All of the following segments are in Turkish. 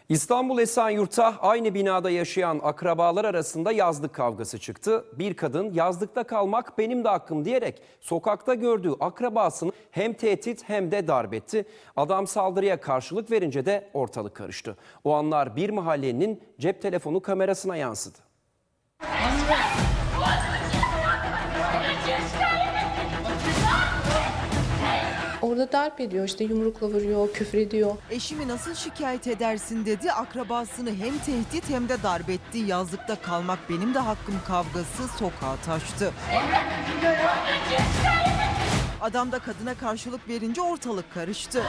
İstanbul Esenyurt'ta aynı binada yaşayan akrabalar arasında yazlık kavgası çıktı. Bir kadın yazlıkta kalmak benim de hakkım diyerek sokakta gördüğü akrabasını hem tehdit hem de darp etti. Adam saldırıya karşılık verince de ortalık karıştı. O anlar bir mahallenin cep telefonu kamerasına yansıdı. Orada darp ediyor, işte yumrukla vuruyor, küfür ediyor. Eşimi nasıl şikayet edersin dedi, akrabasını hem tehdit hem de darp etti. Yazlıkta kalmak benim de hakkım kavgası sokağa taştı. Adam da kadına karşılık verince ortalık karıştı.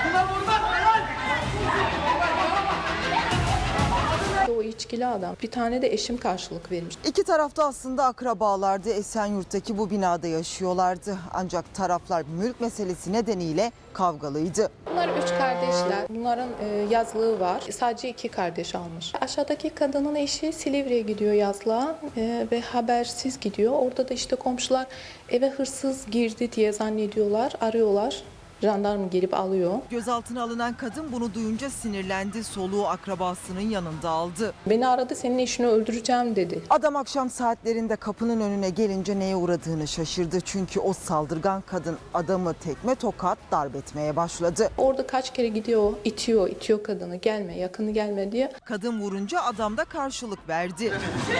O içkili adam. Bir tane de eşim karşılık vermiş. İki tarafta aslında akrabalardı. Esenyurt'taki bu binada yaşıyorlardı. Ancak taraflar mülk meselesi nedeniyle kavgalıydı. Bunlar 3 kardeşler. Bunların yazlığı var. Sadece 2 kardeş almış. Aşağıdaki kadının eşi Silivri'ye gidiyor yazlığa ve habersiz gidiyor. Orada da işte komşular eve hırsız girdi diye zannediyorlar, arıyorlar. Jandarma gelip alıyor. Gözaltına alınan kadın bunu duyunca sinirlendi. Soluğu akrabasının yanında aldı. Beni aradı, senin eşini öldüreceğim dedi. Adam akşam saatlerinde kapının önüne gelince neye uğradığını şaşırdı. Çünkü o saldırgan kadın adamı tekme tokat darp etmeye başladı. Orada kaç kere gidiyor, itiyor kadını, gelme, yakını gelme diye. Kadın vurunca adam da karşılık verdi.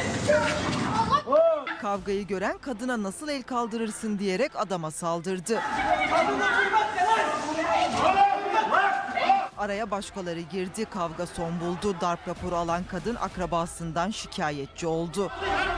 Kavgayı gören kadına nasıl el kaldırırsın diyerek adama saldırdı. Araya başkaları girdi, kavga son buldu. Darp raporu alan kadın akrabasından şikayetçi oldu.